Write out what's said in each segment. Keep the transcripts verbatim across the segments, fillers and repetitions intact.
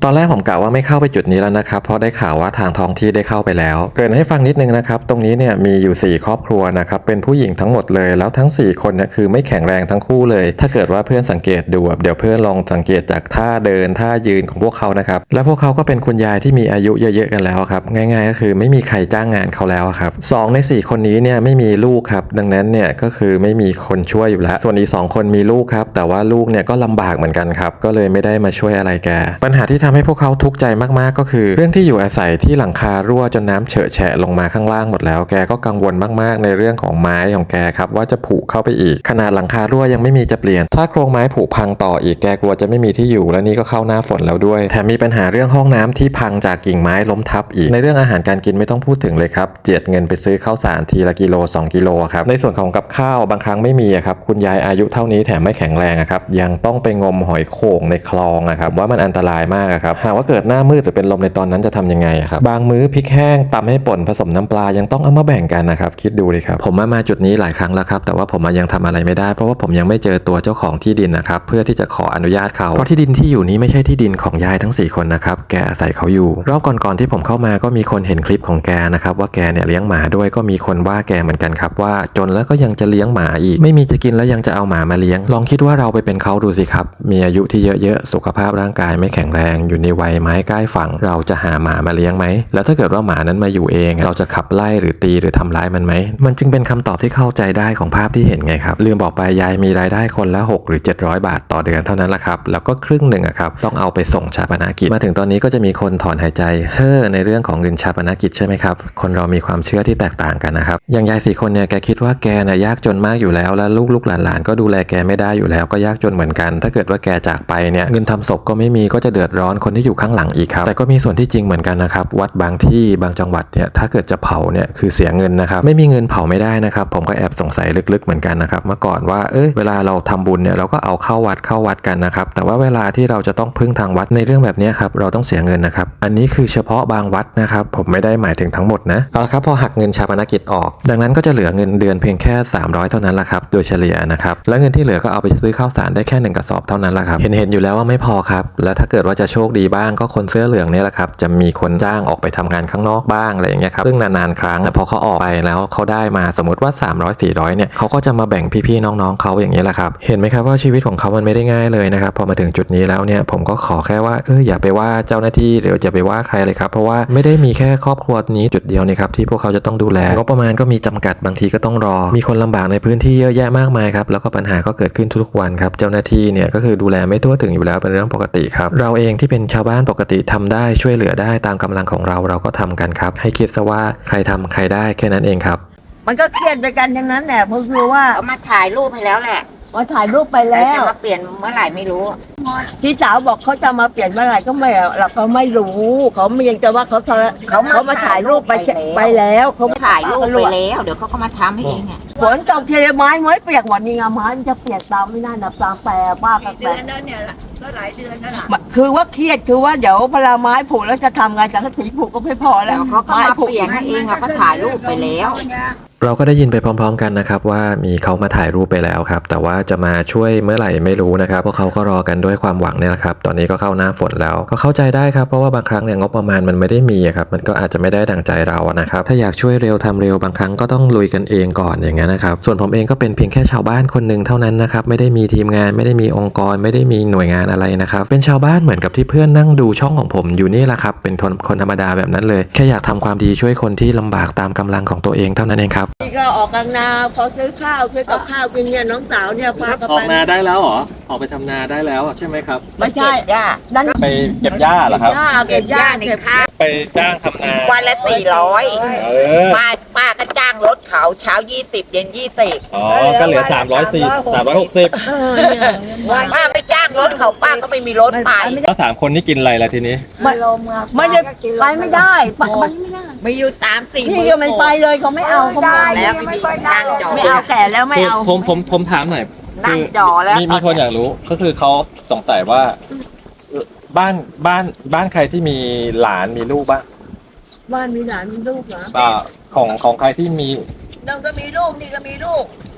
ตอนแรกผมกะว่าไม่เข้าไปจุดนี้แล้วนะครับเพราะได้ข่าวว่าทางท้องที่ได้เข้าไปแล้วเกริ่นให้ฟังนิดนึงนะครับตรงนี้เนี่ยมีอยู่สี่ครอบครัวนะครับเป็นผู้หญิงทั้งหมดเลยแล้วทั้งสี่คนเนี่ยคือไม่แข็งแรงทั้งคู่เลยถ้าเกิดว่าเพื่อนสังเกตดูเดี๋ยวเพื่อนลองสังเกตจากท่าเดินท่ายืนของพวกเขานะครับและพวกเขาก็เป็นคุณยายที่มีอายุเยอะๆกันแล้วครับง่ายๆก็คือไม่มีใครจ้างงานเขาแล้วครับสองในสี่คนนี้เนี่ยไม่มีลูกครับดังนั้นเนี่ยก็คือไม่มีคนช่วยอยู่แล้วส่วนอีกสองคนมีลูกครับแต่ว่าลูกเนี่ยก็ลำบากเหมือนกันครับก็เลยไม่ได้มาช่วยอะไรแกปัญหาที่ทำให้พวกเขาทุกข์ใจมากๆก็คือเรื่องที่อยู่อาศัยที่หลังคารั่วจนน้ำเฉอะแฉะลงมาข้างล่างหมดแล้วแกก็กังวลมากๆในเรื่องของไม้ของแกครับว่าจะผุเข้าไปอีกขนาดหลังคารั่วยังไม่มีจะเปลี่ยนถ้าโครงไม้ผุพังต่ออีกแกกลัวจะไม่มีที่อยู่และนี่ก็เข้าหน้าฝนแล้วด้วยแถมมีปัญหาเรื่องห้องน้ำที่พังจากกิ่งไม้ล้มทับอีกในเรื่องอาหารการกินไม่ต้องพูดถึงเลยครับเจียดเงินไปซื้อข้าวสารทีละกิโลสองกิโลครับในส่วนของกับข้าวบางครั้งไม่มีครับคุณยายอายุเท่านี้แถมไม่แข็งแรงครับยังต้องไปงมหอยโข่งในคลองครับว่ามันอันตรายมากครับหากว่าเกิดหน้ามืดหรือเป็นลมในตอนนั้นจะทำยังไงครับบางมื้อพริกแห้งตำให้ป่นผสมน้ำปลายังต้องเอามาแบ่งกันนะครับคิดดูเลยครับผมมามาจุดนี้หลายครั้งแล้วครับแต่ว่าผมยังทำอะไรไม่ได้เพราะว่าผมยังไม่เจอตัวเจ้าของที่ดินนะครับเพื่อที่จะขออนุญาตเขาเพราะที่ดินที่อยู่นี้ไม่ใช่ที่ดินของยายทั้งสี่คนนะครับแกอาศัยเขาอยู่รอบก่อนๆที่ผมเข้ามาก็มีคนเห็นคลิปของแกนะครับว่าแกเนี่ยเลี้ยงหมาด้วยก็มีคนว่าแกเหมือนกันครับว่าจนแล้วก็ยังจะเลี้ยงหมาอีกไม่มีจะกินแล้วยังจะเอาหมามาเลี้ยงลองคิดว่าเราไปเป็นเขาดูสิครับมีอายุที่เยอะๆสุขภาพร่างกายไม่แข็งแรงอยู่ในวัยไม้ใกล้ฝั่งเราจะหาหมามาเลี้ยงไหมแล้วถ้าเกิดว่าหมานั้นมาอยู่เองเราจะขับไล่หรือตีหรือทำร้ายมันไหมมันจึงเป็นคำตอบที่เข้าใจได้ของภาพที่เห็นไงครับลืมบอกไปยายมีรายได้คนละหกหรือเจ็ดร้อยบาทต่อเดือนเท่านั้นแหละครับแล้วก็ครึ่งหนึ่งอะครับต้องเอาไปส่งชาปนกิจมาถึงตอนนี้ก็จะมีคนถอนหายใจเฮ้อในเรื่องของเงินชาปนกิจใช่ไหมครับคนเรามีความเชื่อที่แตกต่างกันนะครับอย่างยายสี่คนเนี่ยแกคิดว่าแกน่ะยากจนมากอยู่แล้วและลูกๆหลานๆก็ดูแลแกไม่ได้อยู่แล้วก็ยากจนเหมือนกันถ้าเกิดว่าแกจากไปเนี่ยเงินทำศพก็ไม่มีก็จะเดือดร้อนคนที่อยู่ข้างหลังอีกครับแต่ก็มีส่วนที่จริงเหมือนกันนะครับวัดบางที่บางจังหวัดเนี่ยถ้าเกิดจะเผาเนี่ยคือเสียเงินนะครับไม่มีเงินเผาไม่ได้นะครับผมก็แอบสงสัยลึกๆเหมือนกันนะครับเมื่อก่อนว่าเอ้ยเวลาเราทำบุญเนี่ยเราก็เอาเข้าวัดเข้าวัดกันนะครับแต่ว่าเวลาที่เราจะต้องพึ่งทางวัดในเรื่องแบบนี้ครับเราต้องเสียเงินนะครับอันนี้คือเฉพาะบางวัดนะครับผมไม่ได้หมายถึงทั้งหมดนะเอาละครับพอหักเงินชาปนกิจออกดังนั้นก็จะเหลือเงินเดือนเพียงแค่สามร้อยเท่านั้นแหละครับโดยเฉลี่ยนะครับและเงินที่เหลือก็เอาไปซื้อข้าวสารได้แค่หนึ่งกระสอบเท่านั้นแหละครับเห็นเห็นอยู่แล้วว่าไม่พอครับแล้วถ้าเกิดว่าจะโชคดีบ้างก็คนเสื้อเหลืองเนี่ยแหละครับจะมีคนจ้างออกไปทำงานข้างนอกบ้างอะไรอย่างเงี้ยครับซึ่งนานๆครั้งแต่พอเขาออกไปแล้วเขาได้มาสมมติว่าสามร้อย สี่ร้อยเนี่ยเขาก็จะมาแบ่งพี่ๆน้องๆเขาอย่างนี้แหละครับเห็นไหมครับว่าชีวิตของเขามันไม่ได้ง่ายเลยนะครับพอมาถึงจุดนี้แล้วเนี่ยผมก็ขอแค่ว่าเอออย่าไปว่าเจ้าหน้าที่หรืออย่าไปว่าใครเลยครับเพราะว่าไม่ได้มีแค่ครอบครัวนี้จุดเดียวนี่ครับที่พวกเขาจะต้องดูแลงบประมาณก็มีจำกัดบางทีก็ต้องรอมีคนลำบากในพื้นที่เยอะแยะมากมายครับแล้วก็ปัญหาก็เกิดขึ้นทุกวันครับเจ้าหน้าที่เนี่ยก็คือดูแลไม่ทั่วถึงอยู่แล้วเป็นเรื่องปกติครับเราเองที่เป็นชาวบ้านปกติทำได้ช่วยเหลือได้ตามกำลังของเราเราก็ทำกันครับให้คิดซะว่าใครทำใครได้แค่นั้นเองครับมันก็เครียดด้วยกันทั้งนั้นแหละเพราะคือว่าเขามาถ่ายรูปให้แล้วแหละมาถ่ายรูปไปแล้วจะมาเปลี่ยนเมื่อไหร่ไม่รู้พี่สาวบอกเขาจะมาเปลี่ยนเมื่อไหร่ก็ไม่เราก็ไม่รู้เขาเมียงแต่ว่าเขาเขาเขามาถ่ายรูปไปไปแล้วเขาถ่ายรูปไปแล้วเดี๋ยวเขาก็มาทำให้เองอ่ะฝนตกเทไม้ไม้เปียกหมดนี่ไงไม้มันจะเปียกตามไม่น่านับตามแปรบ้ากันแปรเนี่ยก็หลายเดือนแล้วล่ะคือว่าเครียดคือว่าเดี๋ยวพลาไม้ผุแล้วจะทำไงสังกะสีผุก็ไม่พอแล้วเขาก็มาเปลี่ยนให้เองอ่ะเขาถ่ายรูปไปแล้วเราก็ได้ยินไปพร้อมๆกันนะครับว่ามีเขามาถ่ายรูปไปแล้วครับแต่ว่าจะมาช่วยเมื่อไหร่ไม่รู้นะครับพวกเขาก็รอกันด้วยความหวังเนี่ยแหละครับตอนนี้ก็เข้าหน้าฝนแล้วก็เข้าใจได้ครับเพราะว่าบางครั้งเนี่ยงบประมาณมันไม่ได้มีครับมันก็อาจจะไม่ได้ดังใจเรานะครับถ้าอยากช่วยเร็วทำเร็วบางครั้งก็ต้องลุยกันเองก่อนอย่างนั้นนะครับส่วนผมเองก็เป็นเพียงแค่ชาวบ้านคนหนึ่งเท่านั้นนะครับไม่ได้มีทีมงานไม่ได้มีองค์กรไม่ได้มีหน่วยงานอะไรนะครับเป็นชาวบ้านเหมือนกับที่เพื่อนนั่งดูช่องของผมอยู่นี่แหละครับเป็นคนธรรมดาแบบนั้นเลยแค่อยากทำความดีช่วยคนที่ลำบากตามกำลังของตัวเองเท่านั้นเองครับก็ออกกลางนาพอซื้อข้าวซื้อกับข้าวกินเนี่ยน้องสาวเนี่ยพาออกนาได้แล้วเหรอออกไปทำนาได้แล้วใช่ไหมครับไม่ใช่หญ้านั่นไปเก็บหญ้าเหรอครับเก็บหญ้าในข้าวไปจ้างทำนาวันละสี่ร้อยป้าป้าก็จ้างรถเขาเช้ายี่สิบเย็นยี่สิบอ๋อก็เหลือสามร้อยสี่สามร้อยหกสิบป้าไปจ้างรถเขาป้าก็ไม่มีรถไปแล้วสามคนนี่กินอะไรล่ะทีนี้ไม่ไม่ได้ไปไม่ได้ไปไม่ได้ไม่อยู่สามสี่พี่ก็ไม่ไปเลยเขาไม่เอาเขาไม่แล้วไม่มีนั่งจอไม่เอาแก่แล้วไม่เอาผมผมผมถามหน่อยนั่งจอแล้วมีมีคนอยากรู้ก็คือเขาสงสัยว่าบ้านบ้านบ้านใครที่มีหลานมีลูกบ้างบ้านมีหลานมีลูกเหรออ่าของของใครที่มีน้องก็มีลูกนี่ก็มีลูก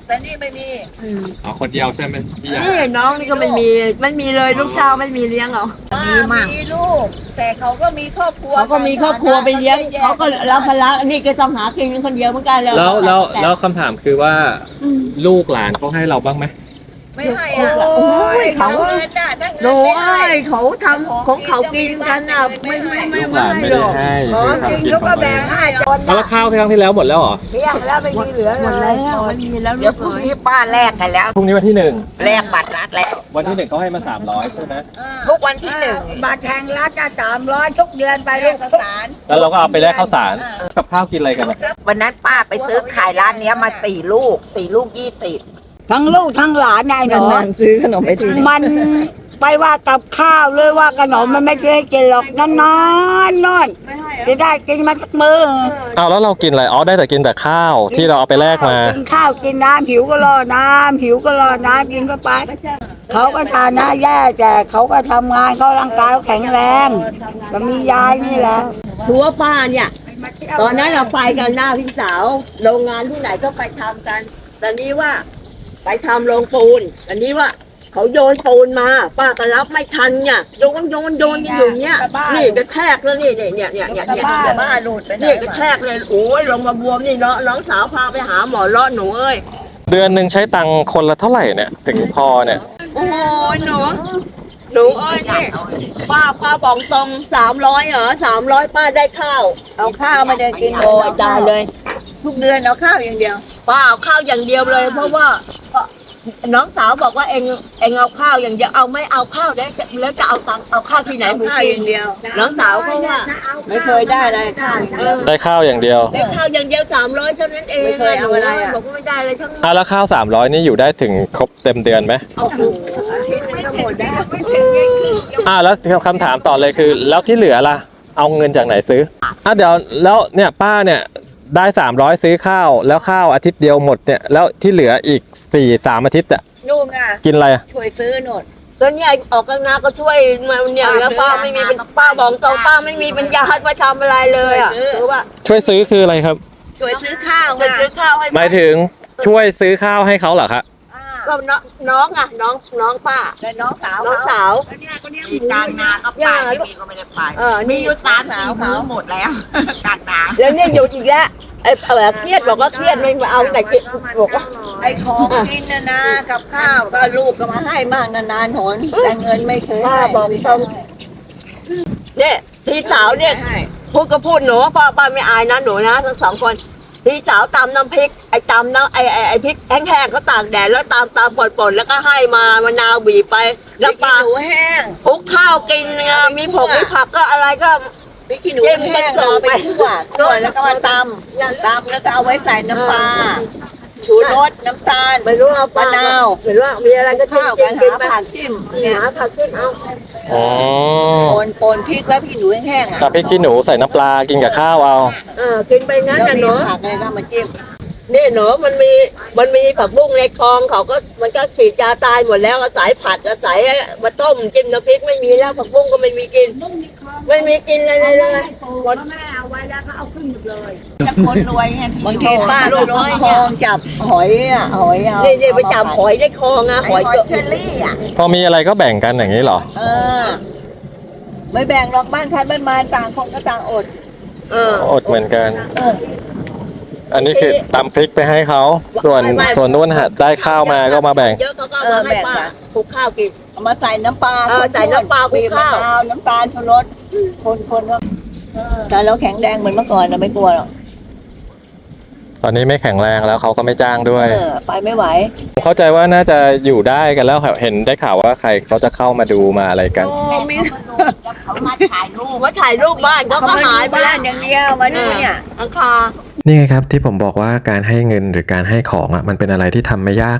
แต่นี่ไม่มีอ๋อคนเดียวใช่ไหมพี่ยานี่น้องนี่ก็ไม่มีไม่มีเลยลูกเจ้าไม่มีเลี้ยงเหรอมีมั่งมีลูก แต่เขาก็มีครอบครัวเขาก็มีครอบครัวไปเลี้ยงเขาก็รับภาระนี่ก็ต้องหากินคนเดียวเหมือนกันแล้วแล้วแล้วคำถามคือว่าลูกหลานเขาให้เราบ้างไหมไม่ให้อ่ะโอ้ยเขาเงินน่ะถ้าหนูเงินไม่เอ้ให้ยเขาทำของเขากินกันอ่ะไม่ไม่ไม่ลูกหลานไม่หรได้อกให้ขอคือกินทำกินลูกขก็องตัวแบ่เอง งให้จนแล้วข้าวครั้งที่แล้วหมดแล้วเหรอเที่ยงแล้วไม่มีเหลือหมดเลแล้ยวไม่มีแล้วเดี๋ยวพรุ่งนี้ป้าแลกกันแล้วพรุ่งนี้วันที่หนึ่งแลกบัตรรัฐแล้ววันที่หนึ่งเขาให้มาสามร้อยใช่ไหมทุกวันที่หนึ่งบัตรแทงรัฐจะสามร้อยทุกเดือนไปเรียกสารแล้วเราก็เอาไปแลกข้าวสารกับข้าวกินอะไรกันอะวันนั้นป้าไปซื้อขายร้านเนี้ยมาสี่ลูกสี่ลูกยี่สิบทั้งลูกทั้งหลานนายหนูนานๆซื้อขนมไปทีมันไปว่ากับข้าวเลยว่าขนมมันไม่เคยกินหรอกนานๆนอนจะได้กินมาสักมืออ้าวแล้วเรากินอะไรอ๋อได้แต่กินแต่ข้าวที่เราเอาไปแลกมากินข้าวกินน้ำหิวก็รอน้ำหิวก็รอน้ำกินเข้าไปเขาก็ทานนะแย่แต่เขาก็ทำงานเขาร่างกายเขาแข็งแรงก็มียายนี่แหละทัวป้าเนี่ยตอนนั้นเราไปกันหน้าพี่สาวโรงงานที่ไหนก็ไปทำกันตอนนี้ว่าไปทำโรงปูนอันนี้ว่าเขาโยนปูนมาป้าก็รับไม่ทันเนี่ยโยนโยนโยนกันอยู่เนี่ยนี่กระแทกแล้วนี่เนี่ยเนี่ยเนี่ยเนี่ยเนี่ยบ้าบ้าหลุดไปไหนนี่กระแทกเลยโอ้ยลงมาบวมนี่เนาะน้องสาวพาไปหาหมอเลาะหนูเอ้ยเดือนหนึ่งใช้ตังค์คนละเท่าไหร่เนี่ยถึงพอเนี่ยโอ้ยหนูหนูเอ้ยนี่ป้าป้าบอกตรงสามร้อยเหรอสามร้อยป้าได้ข้าวเอาข้าวมาเดินกินโอ้ยตายเลยทุกเดือนเอาข้าวอย่างเดียวป้าเอาข้าวอย่างเดียวเลย เพราะว่าน้องสาวบอกว่าเองเองเอาข้าวอย่างเดียวเอาไม่เอาข้าวแล้วแล้วจะเอาตังค์เอาข้าวที่ไหนหมูข้าวกิอน ย่างเดียวน้องสาวเขาว่าไม่เคยได้เลยข้าวเออได้ข้าวอย่างเดียวได้ข้าวอย่างเดียวสามร้อยเท่านั้นเองไม่เคยเอาอะไรอะบอกว่าไม่ได้เลยทั้งนั้นอ่ะแล้วข้าวสามร้อยนี่อยู่ได้ถึงครบเต็มเดือนไหมโอ้โหไม่หมดได้ไม่ถึงยี่สิบอ่ะแล้วคำถามต่อเลยคือ แล้วที่เหลือล่ะ เอาเงินจากไหนซื้ออ่ะเดี๋ยวแล้วเนี่ยป้าเนี่ยได้สามร้อยซื้อข้าวแล้วข้าวอาทิตย์เดียวหมดเนี่ยแล้วที่เหลืออีกสี่สามอาทิตย์อ่ะนู่นอ่ะกินอะไรอ่ะช่วยซื้อหนดก็เนี่ยออกกันนาก็ช่วยมาเนี่ยแล้วป้าไม่มีเป็นป้าบอกตรงป้าไม่มีปัญญามาทำอะไรเลยอ่ะคือว่าช่วยซื้อคืออะไรครับช่วยซื้อข้าวไปซื้อข้าวให้หมายถึงช่วยซื้อข้าวให้เขาเหรอครับก็น้องน้องอ่ะน้องน้องป้าแต่น้องสาวน้องสาวมีกลางนาก็ไปไม่มีก็ไม่ได้ไปเออนี่อยู่สามสี่มื้อหมดแล้วกลางนาแล้วเนี่ยหยุดอีกแล้วไอ้เออเครียดบอกว่าเครียดไม่เอาแต่จิตบอกว่าไอ้ของกินนะนะกับข้าวก็ลูกก็มาให้บ้างนานๆหนแต่เงินไม่เคยป้าให้บอกตรงเนี่ยพี่สาวเนี่ยให้พูดก็พูดหนูป้าป้าไม่อายนะหนูนะทั้งสองคนพี่สาวตำน้ำพริกไอ้ตำน้ำไอ้ไอ้ไอ้พริกแห้งๆก็ตากแดดแล้วตำตำป่นๆแล้วก็ให้มามะนาวบีบไปแล้วปลาหนูแห้งคลุกข้าวกินไงมีผงมีผักก็อะไรก็พริกขี้หนูแห้งเอาไปคั่วคั่วแล้วก็มาตำตำแล้วก็เอาไว้ใส่น้ำปลาชูรสน้ำตาลไม่รู้เอาปลมะนาวไม่รู้มีอะไรก็จิ้ข้าวมกันกินหาไปผักจิ้มเนี่ยหาผักจิ้มเอาอ๋อปนปนพริกแล้วพริกหนูแห้งอ่ะกับพริกขี้หนูใส่น้ำปลากินกับข้าวเอาเออกินไปงั้นแล้วนะมีหนูผักอะไรก็มาจิ้มนี่หนูมันมีมันมีผักบุ้งในคลองเขาก็มันก็ฉีดยาตายหมดแล้วอาศัยผัดอาศัยมาต้มจิ้มน้ำพริกไม่มีแล้วผักบุ้งก็ไม่มีกิน ไม่มีกินเลยเลยเลยหมดจะคนรวยไงบางทีป้าลูกน้อยคลองจับหอยอ่ะหอยเอานี่นี่ไปจับหอยในคลองอะหหออย ยหอยเกาะเชอรี่อ่ะพอมีอะไรก็แบ่งกันอย่างนี้เหรอเออ ไม่แบ่งหรอกบ้านใครบ้านมันต่างคนก็ต่างอดเอออดเหมือนกันเอออันนี้คือตำพริกไปให้เขา ส่วนไม่ไม่ส่วนนู้นหาได้ข้าวมาก็มาแบ่งเยอะเขาก็เอามาให้ป้าคลุกข้าวกินเอามาใส่น้ำปลาเออใส่น้ำปลาคลุกข้าวบีบมะนาวน้ำตาลชูรสคนคนว่าแต่เราแข็งแรงเหมือนเมื่อก่อนเราไม่กลัวหรอกตอนนี้ไม่แข็งแรงแล้วเขาก็ไม่จ้างด้วยเออไปไม่ไหวเข้าใจว่าน่าจะอยู่ได้กันแล้วเห็นได้ข่าวว่าใครเขาจะเข้ามาดูมาอะไรกันเขามาถ่ายรูปว่าถ่ายรูปบ้านเขาก็หายไปบ้าแล้วนอย่างเดียวมาดูเนี่ยอังคานี่ไงครับที่ผมบอกว่าการให้เงินหรือการให้ของอ่ะมันเป็นอะไรที่ทำไม่ยากเลย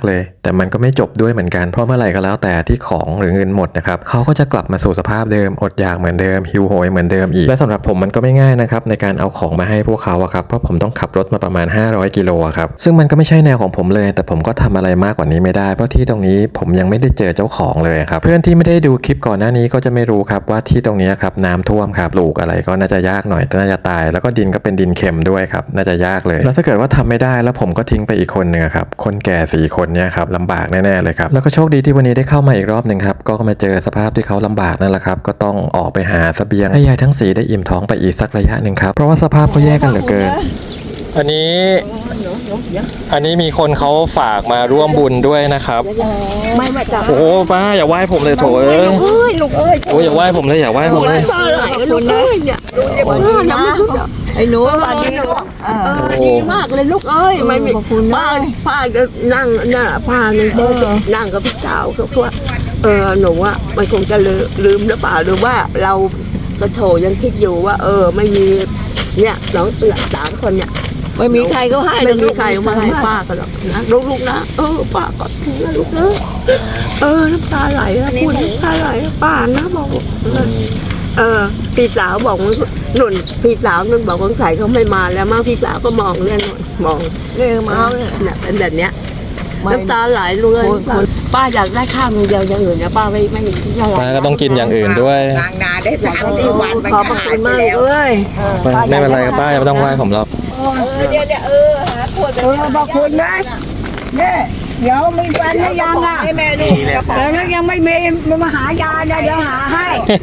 แต่มันก็ไม่จบด้วยเหมือนกันเพราะเมื่อไหร่ก็แล้วแต่ที่ของหรือเงินหมดนะครับเขาก็จะกลับมาสู่สภาพเดิมอดอยากเหมือนเดิมหิวโหยเหมือนเดิมอีกและสำหรับผมมันก็ไม่ง่ายนะครับในการเอาของมาให้พวกเขาอะครับเพราะผมต้องขับรถมาประมาณห้าร้อยกิโลครับซึ่งมันก็ไม่ใช่แนวของผมเลยแต่ผมก็ทำอะไรมากกว่านี้ไม่ได้เพราะที่ตรงนี้ผมยังไม่ได้เจอเจ้าของเลยครับเพื่อนที่ไม่ได้ดูคลิปก่อนหน้านี้ก็จะไม่รู้ครับว่าที่ตรงนี้ครับน้ำท่วมครับปลูกอะไรก็น่าจะยากหน่อยน่าจะตายแล้วก็ดินก็เป็นดินเค็มด้วยครับน่าจะยากเลยแล้วถ้าเกิดว่าทำไม่ได้แล้วผมก็ทิ้งไปอีกคนนึงครับคนแก่สี่คนเนี่ยครับลำบากแน่ๆเลยครับแล้วก็โชคดีที่วันนี้ได้เข้ามาอีกรอบหนึ่งครับก็มาเจอสภาพที่เขาลำบากนั่นแหละครับก็ต้องออกไปหาเสบียงให้ยายทั้งสี่ได้อิ่มท้องไปอีกสักระยะหนึ่งครับเพราะว่าสภาพเขาแย่กันเหลือเกินอันนี้อันนี้มีคนเขาฝากมาร่วมบุญด้วยนะครับไม่ไม่จับโอ้โหป้าอย่าไหว้ผมเลยโถเอ้ยเอ้ยลูกเอ้ยโอ้ยอย่าไหว้ผมเลยอย่าไหว้ผมเลยป้าไหลลูกเอ้ยเนี่ยเออน้ำลูกไอ้หนูป้าดีลูกเออดีมากเลยลูกเอ้ยไม่มีป้าป้าจะนั่งน่ะป้าเนี่ยนั่งกับพี่สาวเขาว่าเออหนูว่ามันคงจะลืมลืมหรือเปล่าหรือว่าเรากระโถยังคิดอยู่ว่า เออไม่มีเนี่ยน้องสามคนเนี่ยไม่มีใครก็ให้ไม่มีใครมาให้ป้ากันหรอกนะลูกๆนะเออป้าก็ถือลูกเออเออน้ำตาไหลนะพูดน้ำตาไหลป้านะบอกเออพี่สาวบอกหนุนพี่สาวนุ่นบอกสงสัยเขาไม่มาแล้วมั้งพี่สาวก็มองเนี่ยหนุนมองเนี่ยมาเนี่ยเป็นแบบเนี้ยน้ำตาไหลเลยป้าอยากได้ข้าวเดียวอย่างอื่นนะป้าไม่ไม่มีที่อะไรป้าก็ต้องกินอย่างอื่นด้วยกลางนาได้สามสี่วันมันขอบก็พระหาคุยณไปมากแล้วเอ้ยไม่เป็นไรครับป้าไม่ต้องไหว้ผมหรอกเออเดี๋ยวเดี๋ยวเออหาขวดเออขอบคุณนะเนี่ยเดี๋ยวมีแฟนหรือยังอ่ะให้แม่ดูแล้วยังไม่มีมาหายาเนี่ยเดี๋ยวหาให้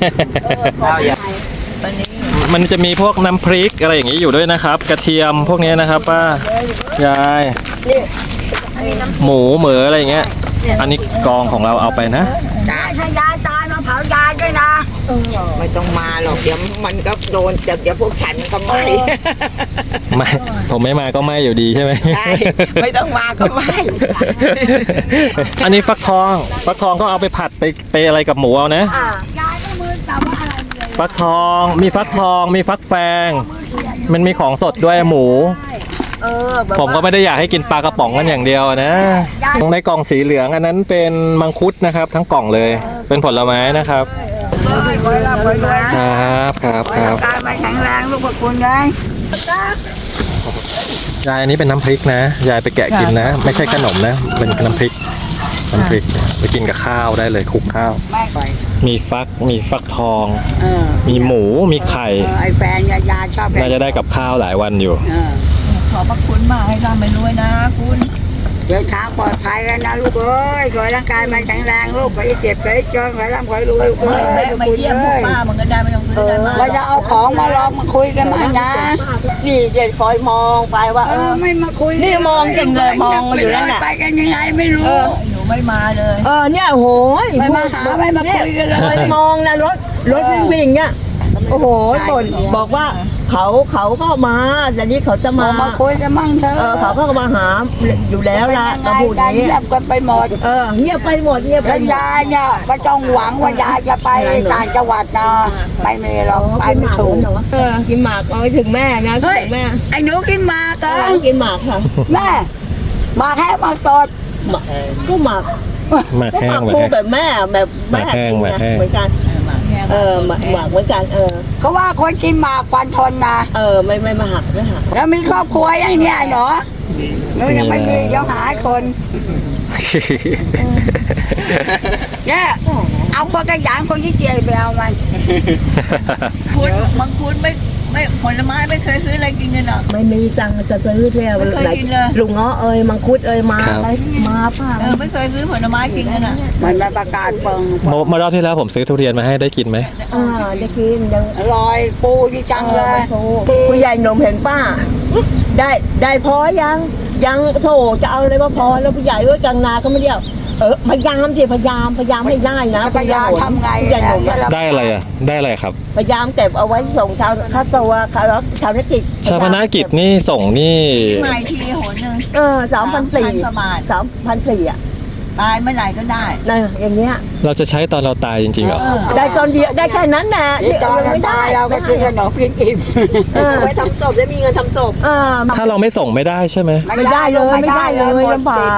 มันจะมีพวกน้ำพริกอะไรอย่างนี้อยู่ด้วยนะครับ กระเทียมพวกนี้นะครับป้ายายหมูเหมืออะไรอย่างเงี้ยอันนี้กองของเราเอาไปนะถ้ายายตายมาเผายายด้วยนะไม่ต้องมาหรอกเดี๋ยวมันก็โดนเดี๋ยวเดี๋ยวพวกฉันก็ไม่ไม่ผมไม่มาก็ไม่อยู่ดีใช่ไหมใช่ไม่ต้องมาก็ไม่อันนี้ฟักทองฟักทองก็เอาไปผัดไปไปอะไรกับหมูเอานะยายก็มือจับว่าอะไรเลยฟักทองมีฟักทองมีฟักแฟง มันมีของสดด้วยหมูเออผมก็ไม่ได้อยากให้กินปลากระป๋องกันอย่างเดียวนะในกล่องสีเหลืองอันนั้นเป็นมังคุดนะครับ ทั้งกล่องเลยเป็นผลไม้นะครับไว้ละไว้นะครับครับครับกายมาแข็งแรงลูกขอบคุณเลยยายอันนี้เป็นน้ำพริกนะยายไปแกะกินนะ ไม่ใช่ขนมนะเป็นน้ำพริกน้ำพริกไปกินกับข้าวได้เลยคลุกข้าวไม่ไปมีฟักมีฟักทองเออมีหมูมีไข่ไอ้แฟนยายาชอบน่าจะได้กับข้าวหลายวันอยู่เออขอบพระคุณมากให้ร่ำไปรวยนะคุณเดินทางปลอดภัยแล้วนะลูกเอ้ยขอให้ร่างกายมันแข็งแรงลูกขอให้เจ็บขอให้จนขอให้ร่ำขอให้รวยลูกเอ้ยไม่เยี่ยมพวกป้ามันก็ได้ไม่ต้องซื้อได้มาเราจะเอาของมาลองมาคุยกันมานะนี่เดี๋ยวคอยมองไปว่าเอเอออไม่มาคุยนี่มองจริงเลยมองอยู่นั่นน่ะไปกันยังไงไม่รู้หนูไม่มาเลยเออเนี่ยโหยไม่มาหาไม่มาคุยกันเลคอยยมองนะรถรถวิ่งวิ่งเนี่ยโอ้โหบ่นบอกว่าเขาเขาก็มาแต่นี้เขาจะมามามาคุยกันมั่งเถอะเออเขาก็มาหาอยู่แล้วละก็พูดอย่างนี้เงียบกันไปหมดเออเงียบไปหมดเงียบไปแล้วหมดยายเนี่ยไม่ต้องหวังว่ายายจะไปต่างจังหวัดนะไม่มีหรอกไปไม่ถูกเออกินหมากเอาไปถึงแม่นะเฮ้ยถึงแม่ไอ้หนูกินหมากเอกัอน กินหมากค่ะแม่หมากแห้งหมากสดหมากก็หมากหมากก็แห้หงมากแบบคู่แห้งแบบแม่แบบแม่หมากแห้งกินหมากแห้งเหมือนกันเออหมากหมากเหมือนกันเออเขาว่าคนกินหมากฟันทนนะเออไม่ไม่มาหักไม่หักแล้วมีครอบครัวยังเนี่ยเหรอหนูยังไม่มีเดี๋ยวหาคนเนี่ยเอาคนกระยานคนที่เจียไปเอามันคุณมังคุดไม่ไม่ผลไม้ไม่เคยซื้ออะไรกินกันหรอกไม่มีตังค์จะซื้อแล้วไม่เคยกินเลยลุงเงาะเอ้ยมังคุดเอ้ยมาครับอะไรมาป้าเออไม่เคยซื้อผลไม้กินกันอ่ะมันมาประกาศเปิงเมื่อเมื่อรอบที่แล้วผมซื้อทุเรียนมาให้ได้กินไหมอ่าได้กินยังอร่อยปูที่จังเลยผู้ใหญ่หนุ่มเห็นป้า ได้ได้พอยังยังโถจะเอาอะไรมาพอแล้วผู้ใหญ่ก็จังนาก็ไม่เดียวเออพยายามสิพยายามพยายามให้ได้นะพยายามทำไงผู้ใหญ่หนุ่มอะได้อะไรอ่ะได้อะไรครับพยายามเก็บเอาไว้ส่งชาวข้าตัวชาวชาวธุรกิจชาพนกิจนี่ส่งนี่ใหม่ทีหนหนึ่งเออสามพันสี่ประมาณสามพันสี่อ่ะตายเมื่อไหร่ก็ได้นะอย่างเงี้ยเราจะใช้ตอนเราตายจริงๆเหรอเออได้ตอนเดียวได้แค่นั้นนะที่ตอนเราตายเราก็ซื้อขนมกินอิ่มเออไว้ทำศพได้มีเงินทำศพเออถ้าเราไม่ส่งไม่ได้ใช่ไหมไม่ได้เลยไม่ได้เลยลำบาก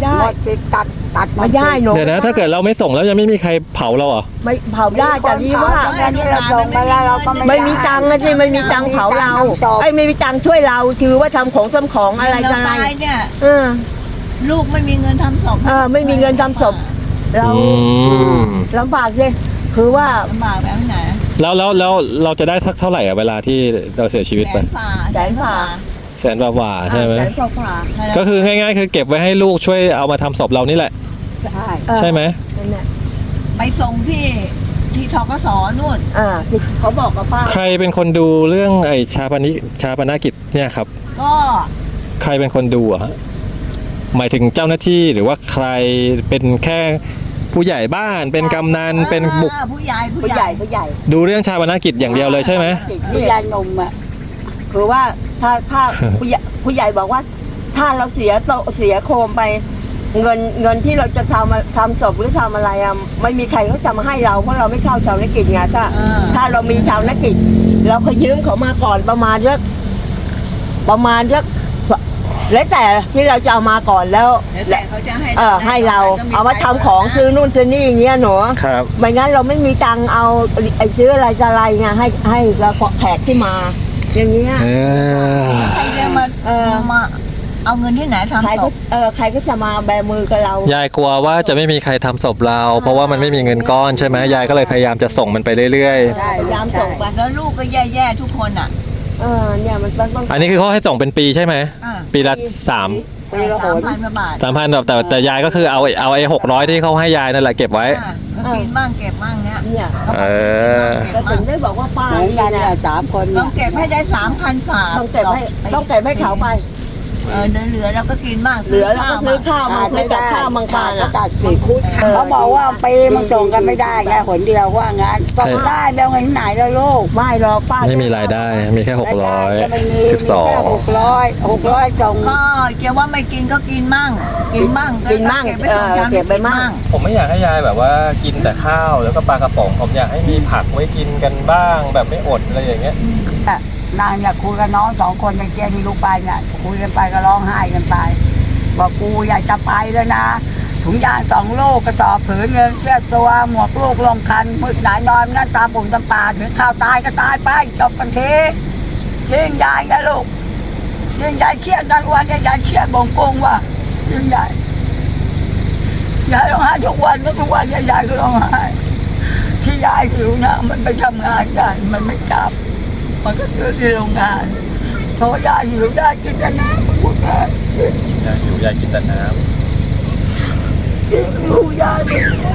ได้หมดสิทธิ์ตัดตัดไม่ได้หนูเดี๋ยวนะถ้าเกิดเราไม่ส่งแล้วยังไม่มีใครเผาเราเหรอไม่เผาได้แต่นี่ว่าอันนี้เราส่งไปแล้วเราก็ไม่ไม่มีตังค์นะที่ไม่มีตังค์เผาเราไอ้ยไม่มีตังค์ช่วยเราถือว่าทำของทำของอะไรเราอะไรตายเนี่ยเออลูกไม่มีเงินทำศพเออไม่มีเงินทำศพเราอืมลำบากเลยคือว่าลำบากแบบไหนแล้วแล้วแล้วเราจะได้สักเท่าไหร่อะเวลาที่เราเสียชีวิตแสไปนฝ่าแสนฝ่าแสนกว่าๆใช่ไหมแสนกว่าก็คือง่ายๆคือเก็บไว้ให้ลูกช่วยเอามาทำศพเรานี่แหละใช่เออใช่ไหมนั่นแหละไปส่งที่ที่ทกสนู่นอ่าที่เขาบอกกับป้าใครเป็นคนดูเรื่องไอ้ชาปนิชาปนกิจเนี่ยครับก็ใครเป็นคนดูอะฮะหมายถึงเจ้าหน้าที่หรือว่าใครเป็นแค่ผู้ใหญ่บ้านเป็นกำนันเป็นบุกอ่าผู้ใหญ่ผู้ใหญ่ผู้ใหญ่ดูเรื่องชาปนกิจอย่างเดียวเลยใช่ไหมนี่ยายนมอ่ะคือว่าถ้าถ้า ผู้ใหญ่ผู้ใหญ่บอกว่า ถ้าเราเสียโตเสียโคมไป เงินเงินที่เราจะทำทำศพหรือทำอะไรอ่ะไม่มีใครเขาจะมาให้เราเพราะเราไม่เข้าชาวนกิจไงถ้าอ่าถ้าเรามีชาวนกิจ เราเคยยืมเขามาก่อนประมาณเยอะประมาณเยอะแล้วแต่ที่เราจะเอามาก่อนแล้วแล้วแต่เขาจะให้เออให้เราก็เอามาทำของซื้อนู่นซื้อนี่อย่างเงี้ยหนูครับไม่งั้นเราไม่มีตังค์เอาไอ้ซื้ออะไรจะอะไรไงให้ให้กับแขกที่มา อย่างเงี้ยเออใครจะมาเออมาเอาเงินที่ไหนใครทำศก็พเออใครก็จะมาแบมือกับเรายายกลัวว่าจะไม่มีใครทำศพเรา เพราะว่ามันไม่มีเงินก้อนใช่ไหมยายก็เลยพยายามจะส่งมันไปเรื่อยใช่พยายามส่งไปแล้วลูกก็แย่ๆทุกคนอ่ะเออเนี่ยมันต้องต้องๆ อันนี้คือเขาให้ส่งเป็นปีใช่ไหมอ่าปีละสามปีละหสามนพันกว่าบาทสามพันแบบแต่แต่ยายก็คือเอาเอาไอ้หกร้อยที่เขาให้ยายนั่นแหละเก็บไว้อ่าก็กินบ้างเก็บบ้างเนี้ยเนี่ยเออก็ถึงได้บอกว่าป้าเหมือนนี่กันนะเนี่ยสามคนต้เนี่อย งเก็บให้ได้สามพันฝาต้องเก็บให้ต้องเก็บให้เขาไปเออเหลือๆเราก็กินบ้างเหลือเราก็ซื้อข้าวมาซื้อกับข้าวบางปาก็อ่ะตัดสิทธิ์เขาบอกว่าปีมันส่งกันไม่ได้ไงหนเดียวว่างั้นส่งได้แล้วเงินไหนแล้วลูกไม่หรอกป้าไม่มีรายได้ มีแค่หกร้อยสิบสองหกร้อยหกร้อยส่งก็จะว่าไม่กินก็กินมั่ง กินบ้างกินมั่งเก็บไปเอสองอชามเก็บไปมั่งผมไม่อยากให้ยายแบบว่ากินแต่ข้าวแล้วก็ปลากระป๋องผมอยากให้มีผักไว้กินกันบ้าง แบบไม่อดอะไรอย่างเงี้ยนางเนี่ยคุยกับน้องสองคนในเกียที่ลูกไปเนี่ยคุยกันไปก็ร้องไห้กันไปบอกกูอยากจะไปแล้วนะถุงยางสองลูกกระสอบผืนเงินเสื้อตัวหมวกลูกลงคันมืดไหนนอนนั่นตาปุ่มตาปาถึงข้าวตายก็ตายไปจบกันทียิ่งใหญ่นะลูกยิ่งใหญ่เครียดกันวันใหญ่เครียดบงกงว่ายิ่งใหญ่ยายร้องไห้ทุกวันก็ทุกวันยายก็ร้องไห้ที่ยายหิวนะมันไปทำงานกันมันไม่กลับมันก็ซื้อที่โรงงานเพราะยายหิวได้กินแต่น้ำพูดได้ยายหิวยายกินแต่น้กินลูกยายไป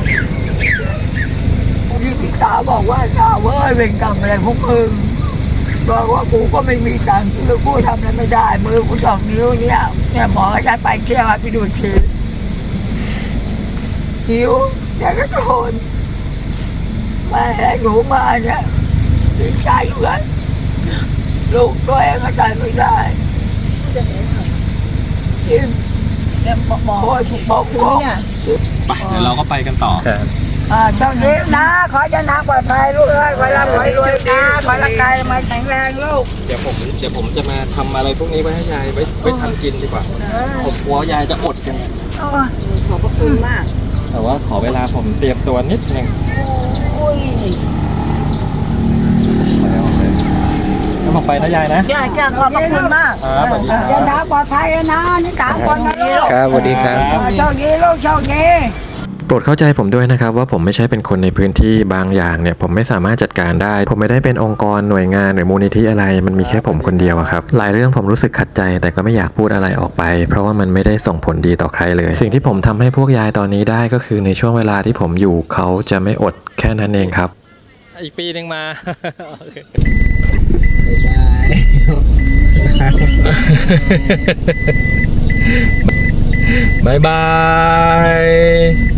ที่พี่สาวบอกว่าสาวเว้ยเป็นกรรมอะไรพวกมึงบอกว่ากูก็ไม่มีตังค์คือกูทำอะไรไม่ได้มือกูสองนิ้วเนี่ยเนี่ยหมอจะไปเที่ยวไปดูทีหิวแต่ก็ทนมาให้หนูมาเนี่ยดีใจเลยลูกตัวเองก็ใจไม่ได้กินเนี่ยบอกบอกโอ้ยบอกกูเนี่ยำไปเดี๋ยวเราก็ไปกันต่ออ่าเจ้านี้นะ ขอจะนักปลอดภัยลูกเอ้ยขอรับขอรวยนะขอร่างกายมาแข็งแรงลูกเดี๋ยวผมเดี๋ยวผมจะมาทำอะไรพวกนี้ไว้ให้ยายไว้ไว้ทำกินดีกว่า ผมกลัวยายจะอดกันโอ้ยขอบพระคุณมากแต่ว่าขอเวลาผมเตรียมตัวนิดนึงโอ้ยแล้วผมไปนะยายนะจ้าจ้าขอบพระคุณมากครับสวัสดีคเดี๋ยวรับนะปลอดภัยนะนี่สามคนนะลูกครับสวัสดีครับโชคดีลูกโชคดีโปรดเข้าใจผมด้วยนะครับว่าผมไม่ใช่เป็นคนในพื้นที่บางอย่างเนี่ยผมไม่สามารถจัดการได้ ผมไม่ได้เป็นองค์กรหน่วยงานหรือมูลนิธิอะไรมันมีแค่ผมคนเดียวอะครับหลายเรื่องผมรู้สึกขัดใจแต่ก็ไม่อยากพูดอะไรออกไป เพราะว่ามันไม่ได้ส่งผลดีต่อใครเลย สิ่งที่ผมทำให้พวกยายตอนนี้ได้ก็คือในช่วงเวลาที่ผมอยู่เขาจะไม่อดแค่นั้นเองครับอีกปีหนึ่งมา บายบาย